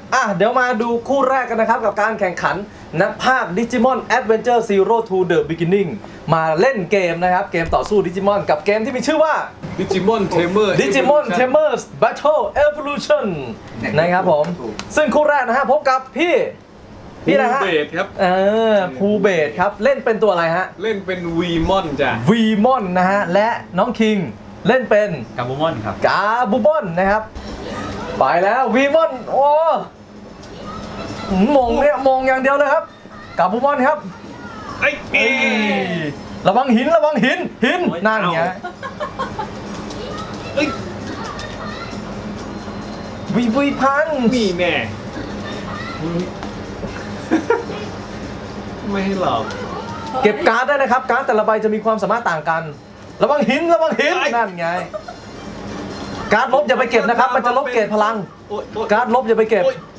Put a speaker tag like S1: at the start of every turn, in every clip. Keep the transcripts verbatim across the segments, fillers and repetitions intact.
S1: อ่ะเดี๋ยวมาดูคู่แรกกันนะครับกับการแข่งขันนักภาค Digimon Adventure Zero to the Beginning มาเล่นเกมนะครับเกมต่อสู้ดิจิมอนกับเกมที่มีชื่อว่า
S2: Digimon Tamer
S1: Digimon Tamers Battle Evolution นะครับผมซึ่งคู่แรกนะฮะพบกับพี่พี่นะฮะ
S2: เบสครับ
S1: เออภูเบศครับเล่นเป็นตัวอะไรฮะ
S2: เล่นเป็นวีมอนจ้ะ
S1: วีมอนนะฮะและน้องคิงเล่นเป็น
S3: กาบูมอนครับ
S1: กาบูบอนนะครับไปแล้ววีมอนโอ้มงเนี่ยมงอย่างเดียวเลยครับกาบูบอนครับ
S2: ไอ้
S1: เอ้ยระวังหินระวังหินหินนั่นไง
S2: เอ้ย
S1: วีวีพัน
S2: นี่แน่ไม่ให้หลอก
S1: เก็บการ์ดได้นะครับการ์ดแต่ละใบจะมีความสามารถต่างกัน ระวังหินระวังหินนั่นไงการ์ดลบอย่าไปเก็บนะครับมันจะลบเกรดพลัง
S2: โอ๊ยโอ๊ย
S1: การ์ดลบอย่าไปเก็บ
S2: โอ๊ย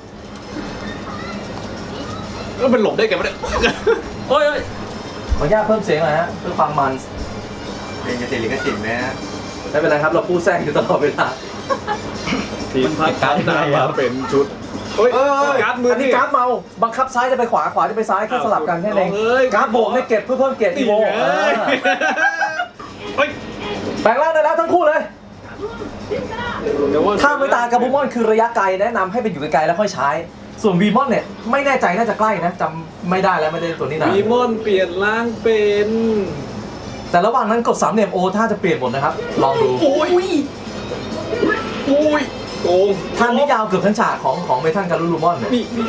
S2: แล้วมันหลบได้ไงวะเนี่ยโอ้ยโอ๊ย
S1: ขออนุญาตเพิ่มเสียงหน่อยฮะเพื่อความมัน
S3: เป็นกระติลิกสิทธิ์ไหมฮะ
S1: ไม่เป็นไรครับเราพูดแทรกอยู่ตลอดเวลา
S2: ทีมพัดการ์ดมาเป็นชุดโอ้ยการ์ดมือ
S1: อันนี้
S2: นี่
S1: การ์ดเมาบังคับซ้ายจะไปขวาขวาจะไปซ้ายแค่สลับกันแค่นั้นเอง
S2: เอาเลย
S1: การ์ดบวกให้เก็บเพื่อเพิ่มเกรดอี
S2: นี่
S1: โว
S2: ไง
S1: เออ
S2: เฮ้ย
S1: แปลงร่างได้แล้วทั้งคู่เลย
S2: เดี๋ยวว่
S1: ถ้าไม่ตายกับบูมอนคือระยะไกลแนะนำให้ไปอยู่ไกลๆแล้วค่อยใช้ ส่วนวีมอนเนี่ยไม่แน่ใจน่าจะใกล้นะจำไม่ได้แล้วไม่ได้ตัวนี้นาน
S2: วีมอนเปลี่ยนร่างเป็น
S1: แต่ระหว่างนั้นกดสามเหลี่ยมโอถ้าจะเปลี่ยนหมดนะครับลองดู
S2: โอ้ยโอ้ยโกง
S1: ท่านนี้ยาวเกือบทั้งฉากของของเมทัลการูลูมอนเนี่ย
S2: นี่นี่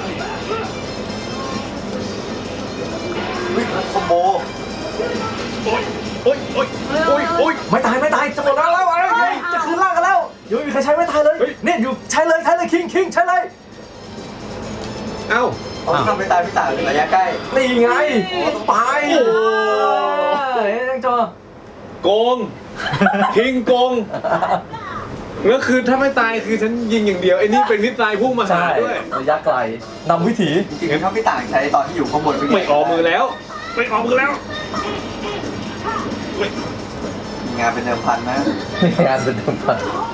S3: คอมโบ
S2: โอ้ยโอ้ยโอ้ยโอ้ยโอ้ย
S1: ไม่ตายไม่ตายจะหมดแล้วแล้วเฮ้ยจะคืนร่างกันแล้วยังไม่มีใครใช้ไม่ตายเลย
S2: เฮ้ย
S1: เนี่ยอยู่ใช้เลยใช้เลยคิงคิงใช้เลย
S2: เอ้า
S3: เขาทำไม่ตายไม่ต่างระยะใกล้
S1: นี่ไงไป
S2: โอ้โห
S1: เฮ้ยยังจอ
S2: โกงคิงโกงแล้วคือถ้าไม่ตายคือฉันยิงอย่างเดียวไอ้นี่เป็นนิสัยพุ่งมาหา
S1: ใช่
S2: ด้วย
S1: ระยะไกลนำวิถี
S3: จริงๆเขาไม่ต่างใช้ตอนที่อยู่ข้างบน
S2: ไม่ออกมือแล้วไม่ออกมือแล้วเฮ้ย
S3: มีงานเป็นเดิมพันนะ
S1: งานเป็นเดิมพัน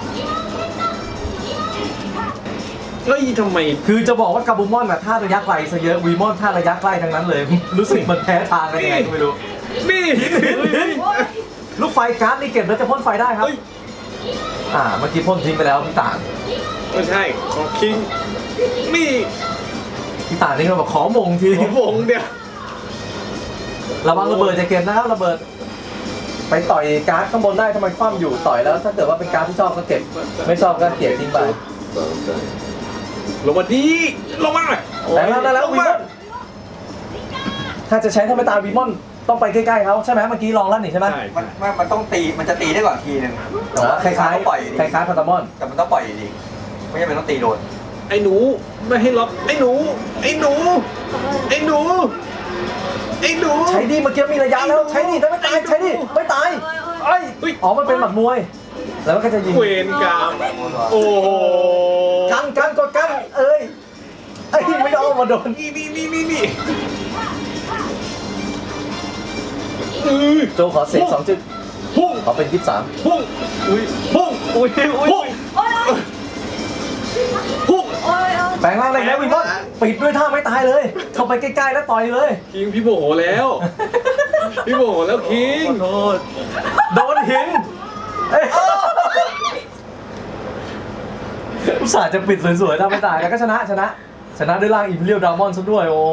S2: เฮ้ยทำไม
S1: คือจะบอกว่ากาบูมอนอะท่าระยะไกลซะเยอะวีมอนท่าระยะใกล้ทั้งนั้นเลย รู้สึกมันแพ้ทางกันยังไงก็ไม่รู้
S2: นี่
S1: ลูกไฟการ์ดนี่เก็บแล้วจะพ่นไฟได้ครับ
S2: เฮ้ย
S1: อ่าเมื่อกี้พ่นทิ้งไปแล้วพี่ต่าง
S2: ไม่ใช่ของคิงนี่
S1: พี่ต่างนี่ก็บอกขอมงที
S2: ของวงเดียว
S1: ระวังระเบิดจะเก็บนะครับระเบิด ไปต่อยการ์ดข้างบนได้ทำไมคว่ำอยู่ต่อยแล้วถ้าเกิดว่าเป็นการ์ดที่ชอบก็เก็บไม่ชอบก็เก็บทิ้งไป
S2: ลงมาดีลงมา
S1: แต่แล้วได้แล้ววีมอนถ้าจะใช้ธรรมดาวีมอนต้องไปใกล้ๆเขาใช่ไหมเมื่อกี้ลองแล้วนี่ใช่ไหม
S2: ใช่
S3: มันมันมันต้องตีมันจะตีได้ก่อนทีนึง
S1: อ๋อคล้าย
S3: ๆปล่อย
S1: ๆคล้ายๆพาตามอน
S3: แต่มันต้องปล่อยอยู่ดีไม่ใช่เป็นต้องตีโดน
S2: ไอ้หนูไม่ให้ล็อกไอ้หนูไอ้หนูไอ้หนูไอ้หนู
S1: ใช้ดีเมื่อกี้มีระยะแล้วใช้ดีแต่ไม่ตายใช้ดีไม่ตายเอ้ยอ๋อมันเป็นหมัดมวย แล้วมันก็จะยิง
S2: เวรกรรมโอ้โห
S1: กันกันกดกันเอ้ยไอ้ยไม่ยอมมาโดน
S2: นี่นี่นี่นี่นี่อือ
S1: โจขอเสียงสองจุด
S2: พุ่ง
S1: ขอเป็นยี่สิบสาม
S2: พุ่งอุ้ยพุ่งอุ้ยอุ้ยพุ่ง
S1: แปลงร่างได้แล้ววินบอนปิดด้วยท่าไม่ตายเลย เข้าไปใกล้ๆแล้วต่อยเลย
S2: คิงพี่โมโหแล้ว พี่โมโหแล้วคิง
S1: ขอโทษโดนหินเอ้ยอุตส่าห์จะปิดสวยๆถ้าไม่ตายแล้วก็ชนะชนะ ชนะด้วยร่างอิมเรียลดรามอนซะด้วยโอ้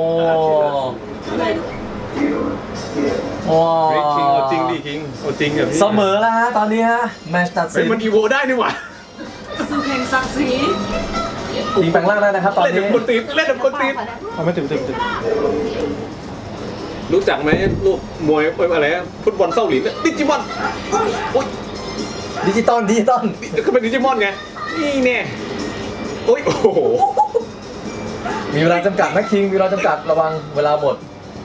S1: ว้า
S2: เฮ้ยคิงเอาจริงดิคิงเอาจริงกับพี่
S1: เสมอแล้วฮะตอนนี้ฮะแมตช์ตัด
S2: เฮ้
S1: สิ
S2: ย
S1: น
S2: มันอีโวได้นี่หว่า
S4: สุแห่งศักดิ์ศรี
S1: ยิงแปลงร่างได้นะครับตอน
S2: เล่น
S1: นี้
S2: แบบคนตีนเล่นแบบคนตีนไม่ถึงถึงถึงรู้จักไหมลูกมวยอะไรฟุตบอลเศร้าหลินดิจิมอนโอ้ย
S1: ดิจิตอลดิจิตอล
S2: ก็เป็นดิจิมอนไงนี่แน่โอ้ยโอ้โห
S1: มีเวลาจำกัดนะคิงมีเวลาจำกัดระวังเวลาหมด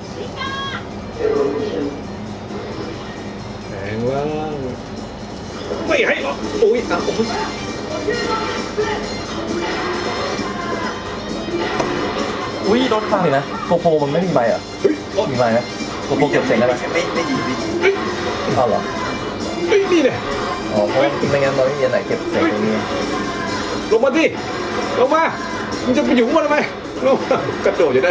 S2: แหงว่างไม่ให้หรอกโอ้ยอ่ะโอ้ย
S1: อุ้ยโดนข้างเลยนะโกโปรมันไม่มีใบเหรอ่ะ
S2: เฮ้ยโอ้ย
S1: มีใบไหมโกโปรเก็บเสียงได้ไหม
S3: ไม่ไม่ดีไม่ดี
S2: เฮ้ย
S1: เอาเหรอ
S2: เฮ้ยนี่เนี่ย
S1: อ๋อเพราะว่าไม่งั้นเราไม่มีอันไหนเก็บเสียงตรงนี้
S2: ลงมาดิลงมามันจะไปอยู่มันทำไมลูกกระโดดอยู่ได้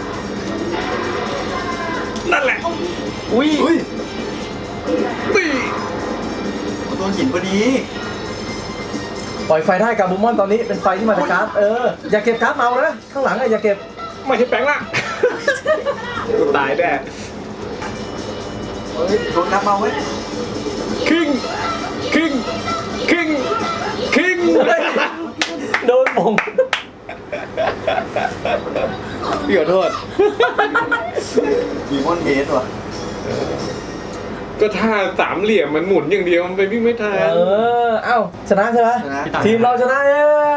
S2: นั่นแหละ
S1: อุ้ย
S3: อุ้ย
S2: ตี
S3: โดนหินพอดี
S1: ปล่อยไฟได้กับบูมอนตอนนี้เป็นไฟที่มาจากการ์ดเอออย่าเก็บการ์ดเมานะข้างหลังอะอย่าเก็บ
S2: ไม่ใช่แปลงละกูตายแน่
S3: เฮ้ยโดนน้ำมาเว้ย
S2: คิงคิงคิงคิง
S1: โดนมง
S2: พี่ขอโทษ
S3: ดีมอนเฮดว่ะ
S2: ก็ท่าสามเหลี่ยมมันหมุนอย่างเดียวมันไปวิ่งไม่ทัน
S1: เออเอ้าชนะใช่ไหม
S3: ชนะ
S1: ทีมเราชนะเย้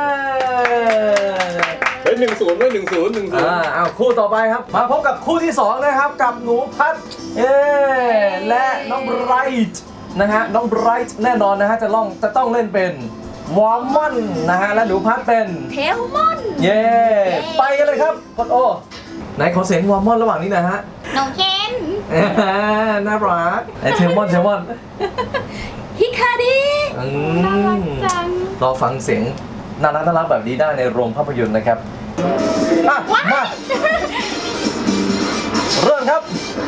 S2: เฮ้ยหนึ่งศูนย์ไว้หนึ่งศูนย์หนึ่งศูนย์
S1: อ่าเอาคู่ต่อไปครับ มาพบกับคู่ที่สองนะครับกับหนูพัดเอ้และน้องไบรท์นะฮะน้องไบรท์แน่นอนนะฮะจะต้องจะต้องเล่นเป็นวอร์มอนนะฮะและหนูพัดเป็น
S5: เทลมอน
S1: เย้ไปกันเลยครับกดโอไหนขอเสียงวอร์มอนระหว่างนี้หนะฮะ
S5: น้องเคน
S1: อ่าน่ารักไอเทลมอนเทลมอน
S5: ฮิคาดิ
S1: อื
S5: น่ารัก
S1: ม
S5: จัง
S1: รอฟังเสียงน่ารักน่ารักแบบนี้ได้ในโรงภาพยนตร์นะครับอ่ะมาเริ่มครับ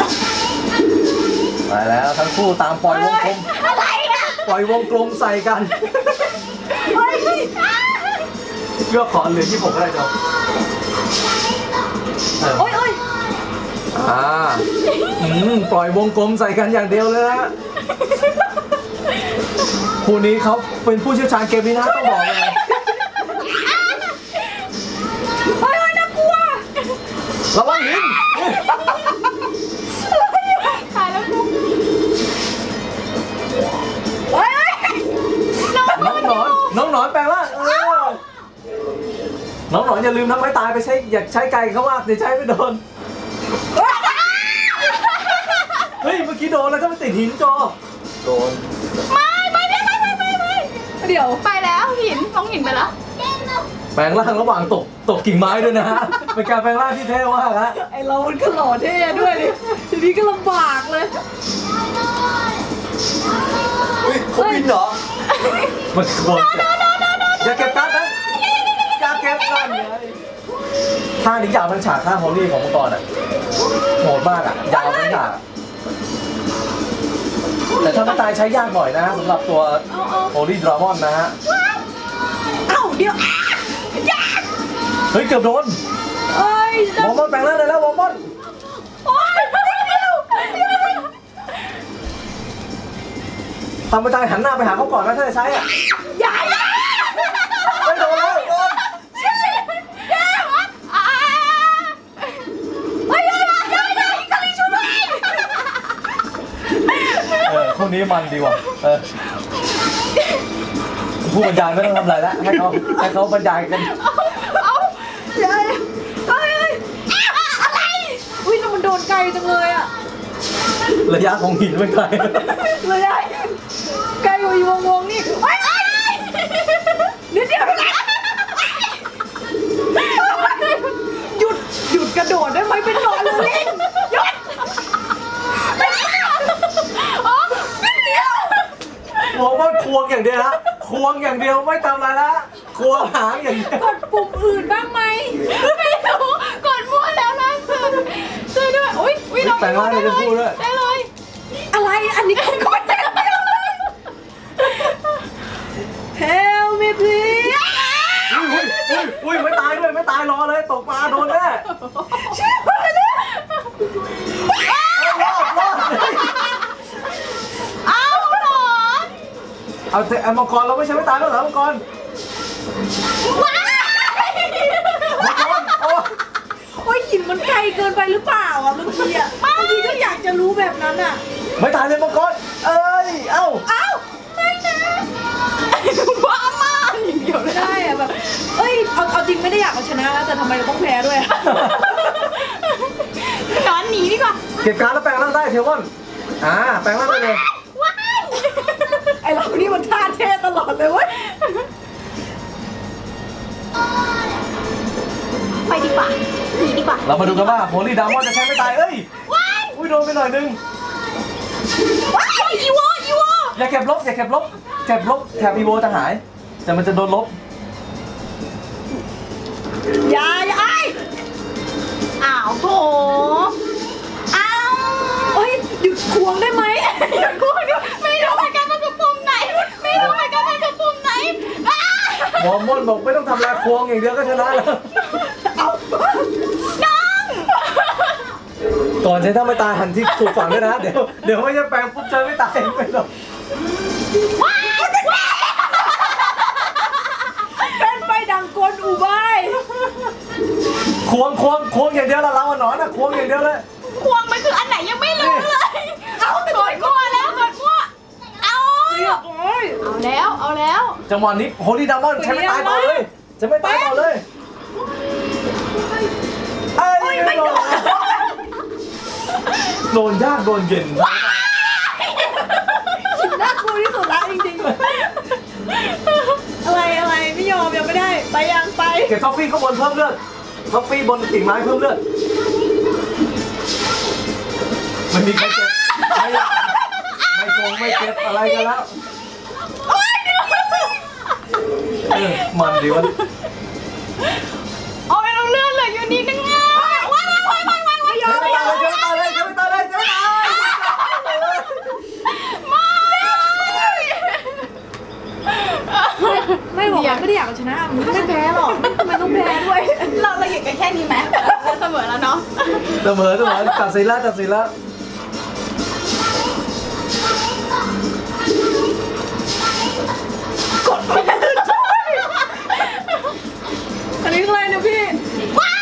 S1: ไปแล้วทั้งคู่ตามปล่อยวงกลม
S5: อะไรอ่ะ
S1: ปล่อยวงกลมใส่กัน
S5: เฮ้ย
S1: เลือกขอเหลือที่ผมก็ได้จ้ะเออ
S5: โอ้ยโอ้ย
S1: อ่าอืมปล่อยวงกลมใส่กันอย่างเดียวเลยนะคู่นี้เขาเป็นผู้เชี่ยวชาญเกมนี้นะต้องบอกเลย
S5: โอ้ยโอ้ยน่ากลัว
S1: ระวังหิน
S5: ตายแล้วกูโอ้ยโอ้ยน้อง
S1: น้องหนอนน้องหนอนแปลงร่างเออน้องหนอนอย่าลืมนะไม้ตายไปใช้อย่าใช้ไกลเขาว่าเดี๋ยวใช้ไม่โดนเฮ้ยเมื่อกี้โดนแล้วก็ไปติดหินจอ
S3: โดน
S5: ไม่ไม่ไม่ไม่ไม่ไม่ไม่เดี๋ยวไปแล้วหินน้องหินไปแล้ว
S1: แปลงร่างระหว่างตกตกกิ่งไม้ด้วยนะฮะเป็นการแปลงร่างที่เท่มากฮะ
S4: ไอเรามันก็หล่อเท่ด้วยดิทีนี้ก็ลำบากเลย
S3: อุ้ยเขาบินเหรอ
S1: มันควรอย่าเก็บการ์ดนะอย่าเก็บการ์ดเลยท่านี้ยาวเป็นฉากท่าฮอลลี่ของมังกรอ่ะโหดมากอ่ะยาวเป็นฉากแต่ถ้าไม่ตายใช้ยากหน่อยนะฮะสำหรับตัว
S4: เอาเอา
S1: โฮลี่ดรามอนนะฮะ
S4: เอ้าเดี๋ยว
S1: เฮ้ยเกือบโดน
S4: เอ้ยว
S1: อร์มอนแปลงร่างได้แล้ววอร์มอน
S5: โอ้ยเดี๋ยว
S1: ทำไปตายหันหน้าไปหาเขาก่อนนะถ้าจะใช้อ่ะ
S5: อย่าอย่า
S1: ไม่โดนแล้วโดน
S5: อย่าอ่าเฮ้ยอย่าอย่าอย่าฮิคาริช่วยด้วย
S1: เออคู่นี้มันดีว่ะเออผู้บรรยายไม่ต้องทำอะไรแล้วให้เขาให้เขาบรรยายกัน
S5: เอาเฮ้ยเฮ้ยเฮ้ยอะไร
S4: อุ้ยแล้วมันโดนไกลจังเลยอะ
S1: ระยะของหินเป็นไง
S4: เลยอะไกลกว่าอีวงวงนี่
S5: เฮ้ยเฮ้ย
S4: นิดเดียวหยุดหยุดกระโดดได้ไหมเป็นนอนเลย
S5: หยุดอ๋อนิดเดียว
S1: วอร์มอนควงอย่างเดียวนะควงอย่างเดียวไม่ทำอะไรละควงหางอย่างเดียว
S4: กดปุ่มอื่นบ้างไหม
S5: ไม่รู้กดมั่วแล้วล่าสุดช่วยด้วยอุ้ยอุ้ยน้อง
S1: แต่งร่างเลยจะพูดด้วย
S5: ได้เลย
S4: อะไรอันนี้ก็กดได้เลย Help me please
S1: อุ้ยอุ้ยอุ้ยไม่ตายด้วยไม่ตายรอเลยตกปลาโดนแน่
S5: ช่วยด้วยนะ
S1: รอดรอด
S5: เอาหนอน
S1: เอาเถอะเอามังกรเราไม่ใช่ไม่ตายแล้วเหรอมังกร
S5: ว้าย
S1: มังกรโอ้
S4: โอ้ยหินมันไกลเกินไปหรือเปล่าอ่ะบางทีอ่ะบางทีก็อยากจะรู้แบบนั้นอ่ะ
S1: ไม่ตายเลยมังกรเอ้ยเอ้า
S5: เอ้าไม่นะบ้ามากอย่างเดียวเลย
S4: ได้อะแบบ เอ้ย เอาเอาจริงไม่ได้อยากเอาชนะนะแต่ทำไมเราต้องแพ้ด้วยอะ
S5: หนอนหนีดีกว่า
S1: เก็บการดแล้วแปลงร่างได้เทวอนอ่าแปลงร่างได้เลย
S5: ว้าย
S4: ไอเรานี่มันท่าเท่ตลอดเลยเว้ย
S5: ไปดีกว่าหนีดีกว่า
S1: เรามาดูกันว่าโฮลี่ดามอนจะใช้ไม่ตายเอ้ย
S5: ว้าย
S1: อุ้ยโดนไปหน่อยนึง
S5: ว้ายอีโวอีโว
S1: อย่าเก็บลบอย่าเก็บลบเก็บลบแถบอีโวจะหายแต่มันจะโดนลบ
S4: อย่าอย่าไอ้
S5: อ้าวโถอ้าว
S4: เอ้ยหยุดควงได้ไหม
S5: หยุดกูหยุดไม่รู้เหมือนกันมันคือปุ่มไหน ไม่รู้เหมือนกันมันคือปุ่มไหนอ้า
S1: หมอม่อนบอกไม่ต้องทำลายควงอย่างเดียวก็ชนะแล้ว
S4: เอา
S5: น้อง
S1: ก่อนใช้ถ้าไม่ตายหันที่ถูกฝั่งด้วยนะ เดี๋ยวเดี๋ยวไม่จะแปลงปุ๊บใช้ไม่ตายไปหรอก
S5: ว้ายว้าย
S4: เป็นไฟดังกลอุบาย
S1: ควงควงควงอย่างเดียวละเราอะหนอนอะควงอย่างเดียวเลย
S5: ควงมันคืออันไหนยังไม่รู้เลย เอากดมั่วแล้วกดมั่วเอา
S4: โอ้ย
S5: เอาแล้วเอาแล้ว
S1: จังหวะนี้โฮลี่ดามอนใช้ไม่ตายต่อเลยใช้ไม่ตายต่อเลยเอ้ยไม่โดนโดนยากโดนเย็น
S4: น่ากลัวที่สุดละจริงๆ อะไรอะไรไม่ยอมยังไม่ได้ ไปยังไป
S1: เก็บท็อฟฟี่ข้างบนเพิ่มเลือดท็อฟฟี่บนกิ่งไม้เพิ่มเลือดมันมีใครเก็บไม่ไม่โกงไม่เก็บอะไรกันแล้วเออมันดีวะ
S5: โอ้ยเราเลื่อนเหลืออยู่นิดนึงอ่ะว้ายว้ายว้ายว้ายว้ายว้าย
S1: ใช้ไม่ตายเลยใช้ไม่ตายเลยใช้ไม่ตายเลยใช้ไม่ตาย
S4: ไม่บอกว่าไม่ได้อยากเอาชนะมึงไม่แพ้หรอกทำไมต้องแพ้ด้วย
S5: เราเราหยุดกันแค่นี้ไหมเราเสมอแล้วเนาะ
S1: เสมอเสมอตัดสินแล้วตัดสินแล้ว
S4: อันนี้อะไรนะพี่
S5: ว้าย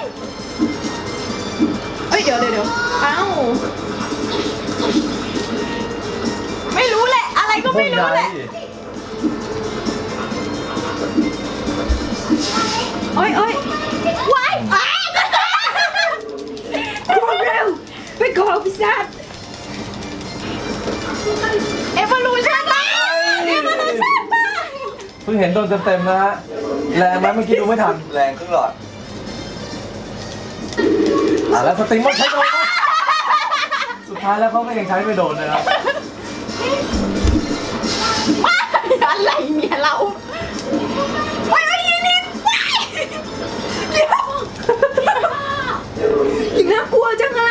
S4: เอ้ยเดี๋ยวเดี๋ยวเดี๋ยวเอ้า
S5: ไม่รู้แหละ อะไรก็ไม่รู้แหละ
S4: เอ้ยเอ้ย
S5: ว้ายว้าย
S4: ควงเร็วไปขอพิซซ่า
S5: เอวอลูชั่นมาเอวอลูชั่นมา
S1: เพิ่งเห็นโดนเต็มๆนะฮะแรงไหมเมื่อกี้ดูไม่ทัน
S3: แรงครึ่งหลอด
S1: อ่ะแล้วสติงมันใช้โดนปะสุดท้ายแล้วเขาก็ยังใช้ไม่โดนนะครับ
S5: ว้ายอะไรเนี่ยเราว้ายว้ายยินดีว้ายเดี๋ยว
S4: อีกน่ากลัวจังอะ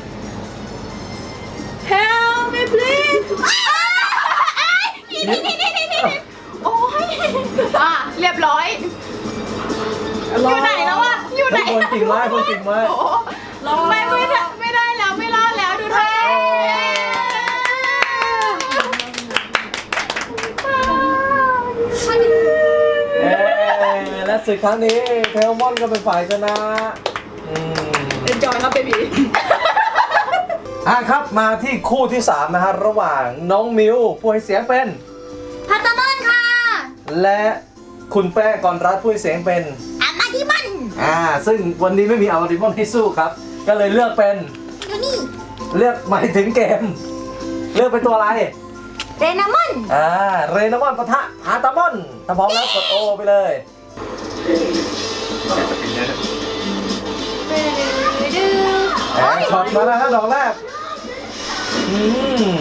S4: Help me please
S5: นี่นี่นี่นี่นี่โอ้ยอ่ะเรียบร้อย อยู่ไหนแล้วอ่ะอยู่ไหน
S1: คนกิ่งไม้คนกิ่งไม้
S5: โอ้ไม่ไม่ได้ไม่ได้แล้วไม่รอดแล้วดูท่า
S1: เอ้ยและศึกครั้งนี้เทลมอนก็เป็นฝ่ายชนะอืม
S4: เอ็นจอยครับเบบี
S1: อ่ะครับมาที่คู่ที่สามนะฮะระหว่างน้องมิวผู้ให้เสียงเป็น
S5: พัตตามอนค่ะ
S1: และคุณแป้งกรรัตน์ผู้ให้เสียงเป็น
S5: อามาดิมัน
S1: อ่าซึ่งวันนี้ไม่มีอาร์ดิมอนให้สู้ครับ ก็เลยเลือกเป็น
S5: อยู่นี่
S1: เลือกหมายถึงเกม เลือกเป็นตัวอะไร
S5: เรนามอน
S1: อ่าเรนามอนปะทะพาตามอนถ้าพร้อมแล้วกดโอไปเลย แอนช็อตมาแล้วฮะดอกแรกอืม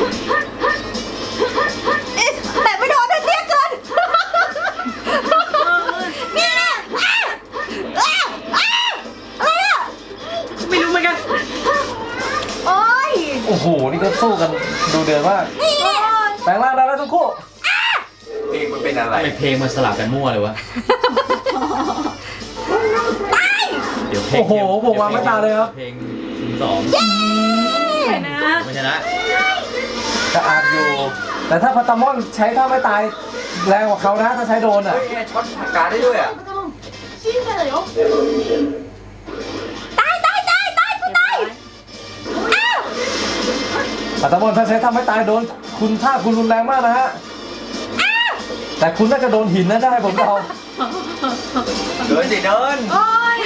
S5: แต่ไม่โดนเตี้ยเกินนี่นะอ้าวอ้าวอ้าวอะไรอ่ะ
S4: ไม่รู้เหมือนกัน
S5: โอ้ย
S1: โอ้โห นี่ก็สู้กันดูเดือดมาก
S5: นี่เนี่ย
S1: แปลงร่างได้แล้วทั้งคู่
S3: เพลงมันเป็นอะไร
S6: ทำไมเพลงมันสลับกันมั่วเลยวะ เดี๋ยวเพลง
S1: โอ้โหผมวางไม่ตาเลยครับ
S6: เพลงศูนย์สอง
S4: ไปนะ
S6: ไม่ชนะ
S1: จะอาจอยู่ แต่ถ้าพาตามอนใช้ท่าไม่ตายแรงกว่าเขานะ ถ้าใช้โดนอ่ะ
S3: เฮ้ยเนี่ยช็อตปากกาได้ด้วยอ่ะ
S5: ตายตายตายตายกูตายอ้าว
S1: พาตามอนถ้าใช้ท่าไม่ตายโดน คุณท่าคุณรุนแรงมากนะฮะ แต่คุณน่าจะโดนหินนะได้ผมเดา
S3: เดินสิเดิน
S4: โอ้ย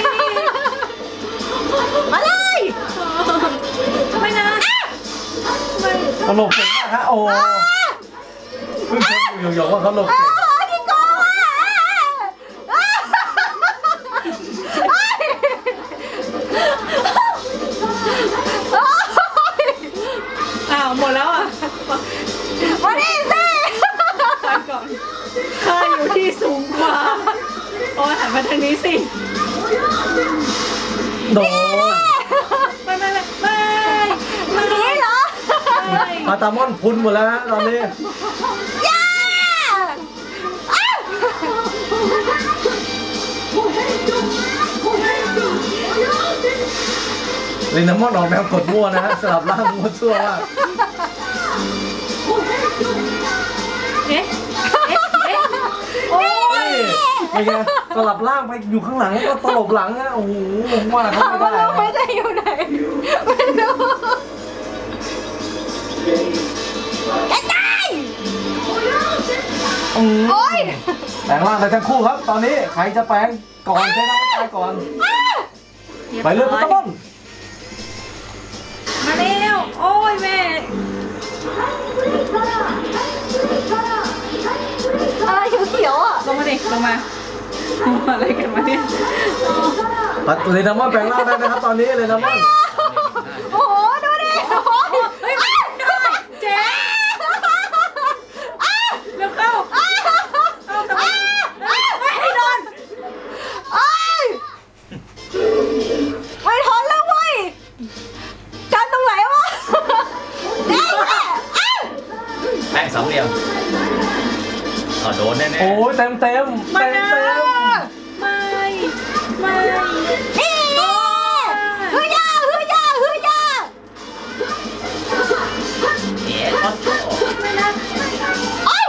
S5: มาเลย
S4: ไม่นะไม่
S1: เขาหลบเก่งมากฮะโอ้เพิ่งเช็คอยู่หยกๆว่าเขาหลบเก่ง
S5: โอ้ยที่โกงอ่ะ
S4: อ้าวหมดแล้วอ่ะ
S5: มาดิสิ
S4: ไปก่อนข้าอยู่ที่สูงกว่า โอ้ยหันมาทางนี้สิ
S1: โดน
S4: ไม่ไม่ไม่ไม่ไม่
S5: นี่เหรอ
S4: ไม่
S1: ปาตามอนพุนหมดแล้วฮะตอนนี้
S5: ย่าอ้าว
S1: ลินนามอนออกแนวกดมั่วนะฮะสลับร่างมั่วซั่วมาก
S4: เอ๊ะเอ๊ะเอ๊ะโอ้ย
S1: นี่เป็นไงสลับร่างไปอยู่ข้างหลังก็ตลบหลังฮะโอ้โหว่าเขา
S5: ถาม
S1: ไม่
S5: ว่า
S1: ได้
S5: ลูกไม่ได้อยู่ไหนไม่รู้จะตาย
S1: อืม
S5: โอ๊ย
S1: แปลงร่างไปทั้งคู่ครับ ตอนนี้ใครจะแปลงก่อนใช้ร่างไม่ตายก่อน ไปเลยปาตามอน
S4: มาเร็วโอ้ยแม่
S5: อะไรเขียวๆอ่ะ
S4: ลงมาดิลงมาลงมาอะไรกันมาเนี่ย
S1: เลนามอนแปลงร่างได้นะครับตอนนี้เลนามอน
S5: โอ้โหดูดิโอ้ย
S4: เฮ้ยได้เจ๊เร็วเข้าเข้าแต่ว่าไม่ให้โดน
S5: เอ้ยไม่ทนแล้วเว้ยกันตรงไหนวะนี่แหละอ้าว
S6: แป้งสองเหลี่ยมอ๋อโดนแน่
S1: โอ้ยเต็มเต็ม
S4: ไม่
S1: เต็ม
S4: นะ
S1: เต็ม
S4: ไม่ไม่
S5: นี่ฮือยาฮือยาฮือยา
S6: ๆเอ๋ช็อตโต้
S4: ไม่นะ
S5: โอ้ย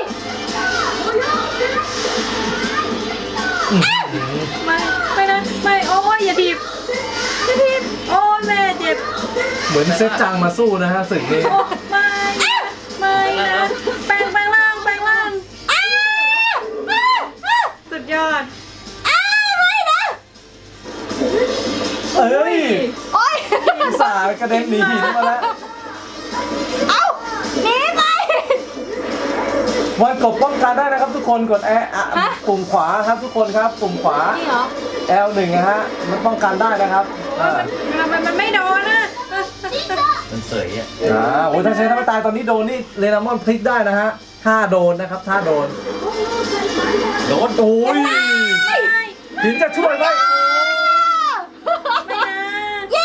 S4: ไม่ไม่นะไม่โอ้ยอย่าถีบอย่าถีบโอ้ยแม่เจ็บ
S1: เหมือนเซตจังมาสู้นะฮะศึกนี้
S4: โอ้ไม่นะไม่นะแปลงแปลงร่างแปลงร่าง
S5: อ้าวอ้าวอ้าว
S4: สุดยอด
S5: อ้าวไม่นะ
S1: เอ้ย
S5: โอ้ย
S1: สายกระเด็นหนีหินมาแล้ว
S5: เอ้าหนีไป
S1: วันกบป้องกันได้นะครับทุกคนกดแอร์อ่ะ
S5: ฮะ
S1: ปุ่มขวาครับทุกคนครับปุ่มขวา
S5: จริงเหรอ
S1: แอล หนึ่งนะฮะมันป้องกันได้นะครับอ่า
S4: มันมันมันไม่โดนนะ
S6: มันเสยอ่ะ
S1: อ่าโอ้ยถ้าใช้ท่าไม่ตายตอนนี้โดนนี่เลนามอนพลิกได้นะฮะถ้าโดนนะครับถ้าโดน
S6: โดน
S1: โอ้ย
S4: ไม่
S1: หินจะช่วยไหม
S4: ไม่นะ
S5: เย้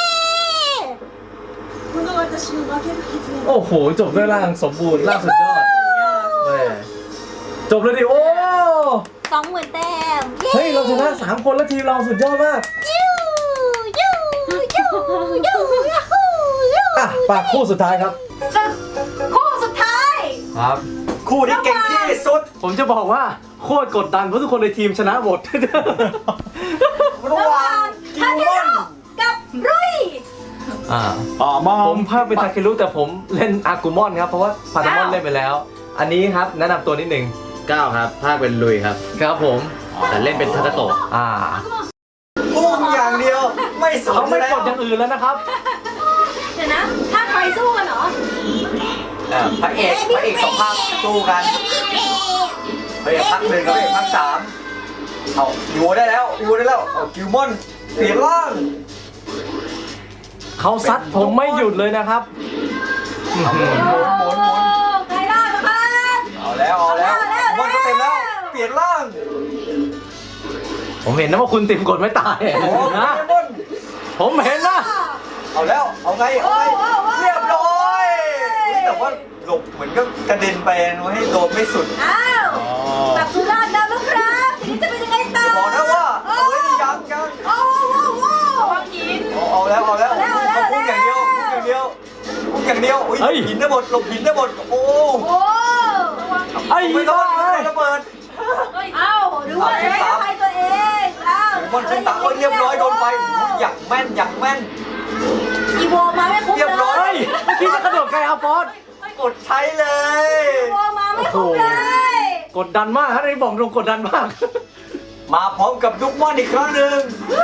S1: โอ้โหจบด้วยร่างสมบูรณ์ร่างสุดยอดแม่จบเลยดิโอ้
S5: สองหมื่นแต้ม
S1: เฮ้ยเราชนะสามคนแล้วทีมเราสุดยอดมาก
S5: ยูยูยูยูยูยู
S1: อ่ะปากคู่สุดท้ายครับ
S5: สุดคู่สุดท้าย
S3: ครับ คู่ที่เก่งที่สุด
S1: ผมจะบอกว่าโคตรกดดันเพราะทุกคนในทีมชนะหมด
S3: ระหว่างกิวมอน
S5: กับรุย
S1: อ่า
S2: อ๋อมอ
S1: ผมภาคเป็นทาเครุแต่ผมเล่นอากุมอนครับเพราะว่าพาตามอนเล่นไปแล้ว อันนี้ครับแนะนำตัวนิดหนึ่ง
S6: เก้าครับภาคเป็นลุยครับ
S1: ครับผม
S6: แต่เล่นเป็นทาคาโตะ
S1: อ่า
S3: พุ่งอย่างเดียว ไม่สน
S1: เขาไม่
S3: แล้ว
S1: กดอย่างอื่นแล้วนะครับ
S5: เดี๋ยวนะ ถ้าใครสู้กันเหรอ
S3: อ่ะพระเอกพระเอกสองภาคสู้กันพระเอกภาคหนึ่งกับพระเอกภาคสามเอาอยู่ได้แล้วอยู่ได้แล้วเอากิวมอนเปลี่ยนร่าง
S1: เขาซัดผมไม่หยุดเลยนะครับ
S3: เอาหมุนหมุนหมุนหมุน
S5: ใครล่านะครับ
S3: เอาแล้วเอาแล้วกิวมอนก็เต็มแล้ว เปลี่ยนร่าง
S1: ผมเห็นนะว่าคุณติมกดไม่ตาย
S3: โอ้โห
S1: นะ
S3: กิวมอน
S1: ผมเห็นนะ
S3: เอาแล้วเอาไงเอาไงเรียบร้อยแต่ว่าหลบเหมือนก็กระเด็นไปนะให้โดนไม่สุด
S5: อ้าวกลับสุราษฎร์แล้วนะครับทีนี้จะเป็นยังไงต่อ
S3: บอกนะว่าเฮ้ยยังยัง
S5: โอ้โหโอ้โห
S4: วางหิน
S3: เอาเอาแล้วเอาแล้ว
S5: เอาแล้วเอาแล้ว
S3: พุ่งอย่างเดียวพุ่งอย่างเดียวพุ่งอย่างเดียวอุ้ย
S1: เฮ้ย
S3: หินได้หมดหลบหินได้หมดโอ้
S5: โอ้
S1: ไอ้
S3: ไม่ต้
S1: บ้า
S3: อง
S1: เอ้ย
S3: ระเบิด
S5: เอ้าดูว่าใช้ใครตัวเองอ้าว
S3: มอนใช้ตาเอ้ยเรียบร้อยโดนไปอุ้ยอย่างแม่นอย่างแม่น
S5: อีโวมาไม่ครบ
S3: เรียบร้อย
S1: เฮ้ยเมื่อกี้จะกระโดดไกลอาฟอส
S3: กดใช้เลย
S5: อีโวมาไม่ครบเลย
S1: กดดันมากฮะนี่บอกตรงกดดันมาก
S3: มาพร้อมกับลูกมอนอีกครั้งหนึ่ง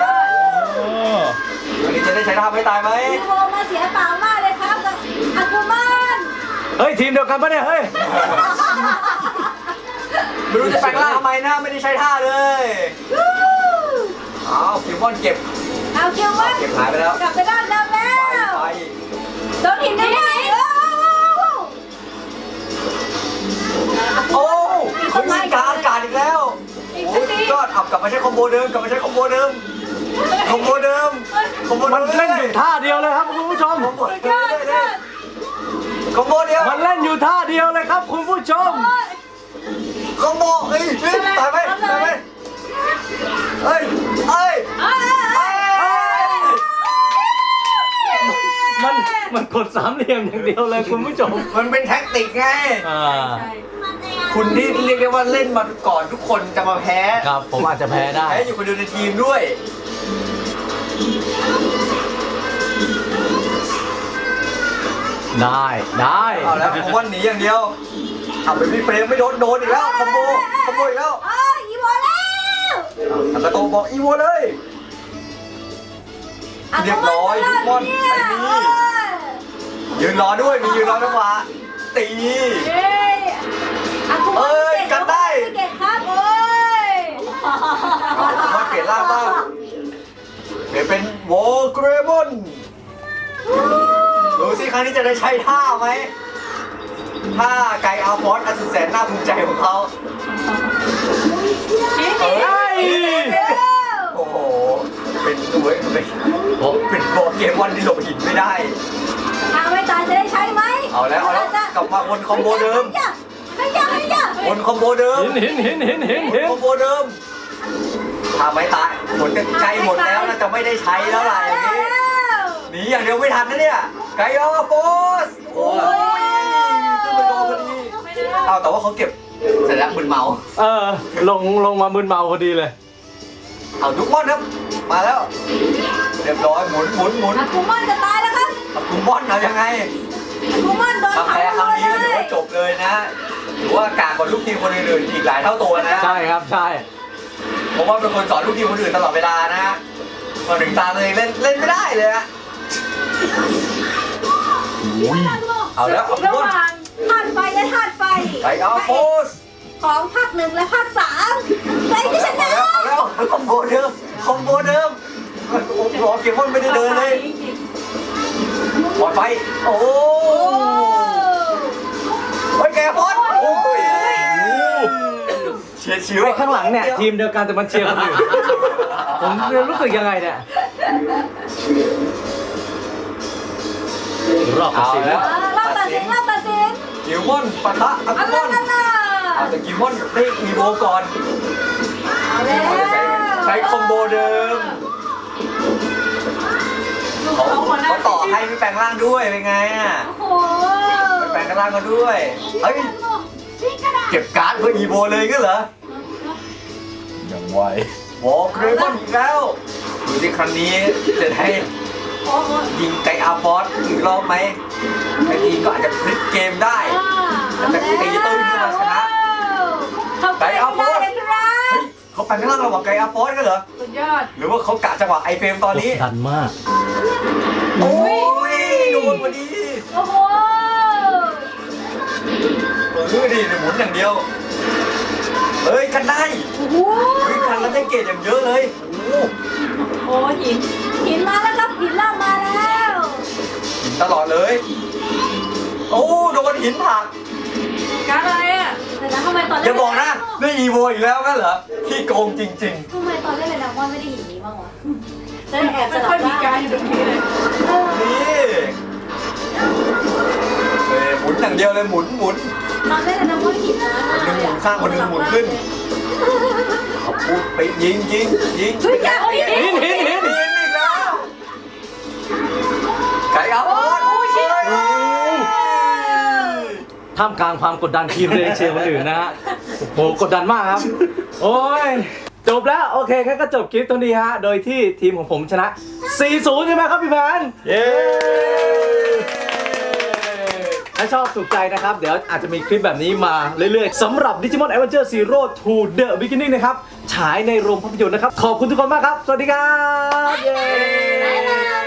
S3: วันนี้จะได้ใช้ท่าไม่ตายไหม
S5: อีโวมาเสียเปล่ามากเลยครับกับอากูมาน
S1: เฮ้ยทีมเดียวกันปะเนี่ยเฮ้ย
S3: ไม่รู้จะแปลงร่างทำไมนะไม่ได้ใช้ท่าเลยอ้าวคิวมอนเก็บ
S5: เอาเกียววัน
S3: เก็บหายไปแล้ว
S5: กลับไปด้านเดิมแล้
S3: ไป
S5: ว
S3: ไป
S5: โดนหินได้ไหม
S3: โอ้เขายิงกลางอากาศอีกแล้วโอ้ยสุดยอดอับกลับมาใช้คอมโบเดิมกลับมาใช้คอมโบเดิมคอมโบเดิมคอมโบ
S1: มันเล่นอยู่ท่าเดียวเลยครับคุณผู้ชม
S3: คอมโบเดิมเลยคอมโบเดียว
S1: มันเล่นอยู่ท่าเดียวเลยครับคุณผู้ชม
S3: คอมโบเอ้ยเฮ้ยตายไหมตายไหมเอ้ยเอ้ย
S4: เอ้ย
S3: เอ้ย
S1: มันมันกดสามเหลี่ยมอย่างเดียวเลยคุณผู้ชม
S3: มันเป็นแท็กติกไง
S1: อ่า
S3: คุณนี่เรียกได้ว่าเล่นมาก่อนทุกคนจะมาแพ้
S1: ครับผมอาจจะแพ้ได้
S3: แพ้อยู่คนเดียวในทีมด้วย
S1: ได้ได้
S3: เอาแล้วผมว่าหนีอย่างเดียวเอาไปพี่เฟรมไม่โดนโดนอีกแล้วคอมโบคอมโบอีกแล้ว
S4: เอ้ยอีโมแล้ว
S3: เอากระโตบอกอีโวเลย เรียบร้อยทุกคนไปนี่ ยืนรอด้วยมียืนรอจังหวะตี
S4: เอ้ยอากู
S3: เอ้ยกันได้
S4: เก่งครับโอ้ย
S3: มาเปลี่ยนร่างบ้างเปลี่ยนเป็นโวเกรมอนดูสิครั้งนี้จะได้ใช้ท่าไหมท่าไกอาฟอสอันสุดแสนน่าภูมิใจของเขา เอ้ยโอ้โห เป็นตัวเป็นโอ้เป็นโปเกมอนที่หลบหินไม่ได้
S4: ทางไม่ตายจะได้ใช้ไหม
S3: เอาแล้วเอาแล้วกลับมาวนคอมโบเดิม
S4: ไม่ยากไม่ยาก
S3: วนคอมโบเดิม
S1: เห็นเห็นเห็นเห็นเห็น
S3: วน
S1: เห็น
S3: คอมโบเดิมถ้าไม่ตายหมดใกล้หมดแล้วน่าจะไม่ได้ใช้แล้วล่ะอย่างนี้หนีอย่างเดียวไม่ทันนะเนี่ยไกออโฟสโอ้ยขึ้นมาโดนพอดีเอาแต่ว่าเขาเก็บเสร็จแล้วมึนเมา
S1: เออลงลงมามึนเมาพอดีเลย
S3: เอาทุกมอนครับ มาแล้ว เรียบร้อยหมุนหมุนหมุน
S4: อากูมอนจะตายแล้วครับ
S3: เอาทุกมอนเอายังไง
S4: อากูมอนโดน
S3: ถ้า
S4: เผา
S3: แพ้ครั้งนี้ก็ถือ
S4: เล
S3: ว่าย จบเลยนะถือว่ากากกว่าลูกทีมคนอื่นๆอีกหลายเท่าตัวนะ
S1: ใช่ครับใช่
S3: เพราะว่าเป็นคนสอนลูกทีมคนอื่นตลอดเวลานะพอถึงตาตัวเองเล่นเล่นไม่ได้เลยอะเอาแล้วเอา
S4: ระ
S3: ทุก
S4: ห
S3: มอน
S4: ว่างธาตุไฟและธาตุไฟ
S3: ไปเอาโพส
S4: ของภาคหนึ่งและภาคสามใครจะช
S3: เอา
S4: นะ
S3: แล้วเอาแล้วเอาคอมโบเดิมคอมโบเดิมโอ้โหเกมอนไม่ได้เดินเลยปล่อยไฟโอ้
S4: โอ้
S3: โอ้ยแกพอดโอ้ยเฉียดฉิว
S1: ไอ้ข้างหลังเนี่ยทีมเดียวกันแต่มันเชียร์คนอื่นผมรู้สึกยังไงเนี่ยรอบตัด
S3: เอา
S1: สิน
S3: แล้ว
S4: รอบตัดสินรอบตัดสิน
S3: กิวมอนปะทะอัล
S4: อัล
S3: ม
S4: ลา
S3: อน
S4: อัลลา
S3: เอาแต่กิวมอนได้อีโวก่อน
S4: เอาแล้ว
S3: ใช้ใช้คอมโบเดิมเขาเขาต่อให้ไม่แปลงร่างด้วยเป็นไงอ่ะ
S4: โอ้โห
S3: ไม่แปลงร่างก็ด้วยเฮ้ยเก็บการ์ดเพื่ออีโวเลยก็เหรอ
S1: อย่างไว
S3: โอ้เกรมอนอีกแล้วดูสิครั้งนี้จะได้
S4: โอ้โห
S3: ยิงไกอาฟอสอีกรอบไหมไอ้ทีก็อาจจะพลิกเกมได้ แต่ตีตื้นขึ้นมาชนะ
S4: เขาไปเอาโพส
S3: เฮ้ยเขาแปลงร่างระหว่างไกอาฟอสกันเหรอ
S4: สุดยอด
S3: หรือว่าเขากะจังหวะไอเฟรมตอนนี้
S1: ดันมาก
S3: โอ้ยโดนพอดี
S4: โอ้โห
S3: เออดิหมุนอย่างเดียว เฮ้ยกันได้
S4: โอ้โห
S3: เฮ้ยกันแล้วได้เกรดอย่างเยอะเลยโอ้โห
S4: โอ้หินหินมาแล้วครับหินล่างมาแล้ว
S3: หินตลอดเลย โอ้โดนหินผลัก
S4: การอะไรอ่ะแต่ทำไมตอน
S3: อย่าบอกนะได้อีโวอีกแล้วกันเหรอขี้โกงจริง
S4: ทำไมตอนเล่นเลยนะว่าไม่ได้หินนี้บ้างวะแล้วแอบสลับ
S5: ไม่ค่อยมีการอยู่ตรงนี้เลย
S3: ๆ นี่เฮ้ยหมุนอย่างเดียวเลยหมุนหมุน
S4: ตอนเล่นเลยนะว่าหินนะ
S3: คนหนึ่งหมุนข้างคนหนึ่งหมุนขึ้น เอาพูดไปยิงยิงยิง
S4: เฮ้ยอย่าเอาหิน
S1: หินหินหิน
S3: ยิงอีกแล้วไก่เอาโอ้ยเฮ้ย
S1: ท่ามกลางความกดดันทีมเลยเชียร์คนอื่นนะฮะโหกดดันมากครับ โอ้ยจบแล้วโอเคงั้นก็จบคลิปตรงนี้ฮะโดยที่ทีมของผมชนะ สี่ศูนย์ ใช่ไหมครับพี่แพนเย้ถ้าชอบถูกใจนะครับ เดี๋ยวอาจจะมีคลิปแบบนี้มาเรื่อยๆสำหรับ Digimon Adventure Zero to the Beginning นะครับฉายในโรงภาพยนตร์นะครับขอบคุณทุกคนมากครับสวัสดีครับเย้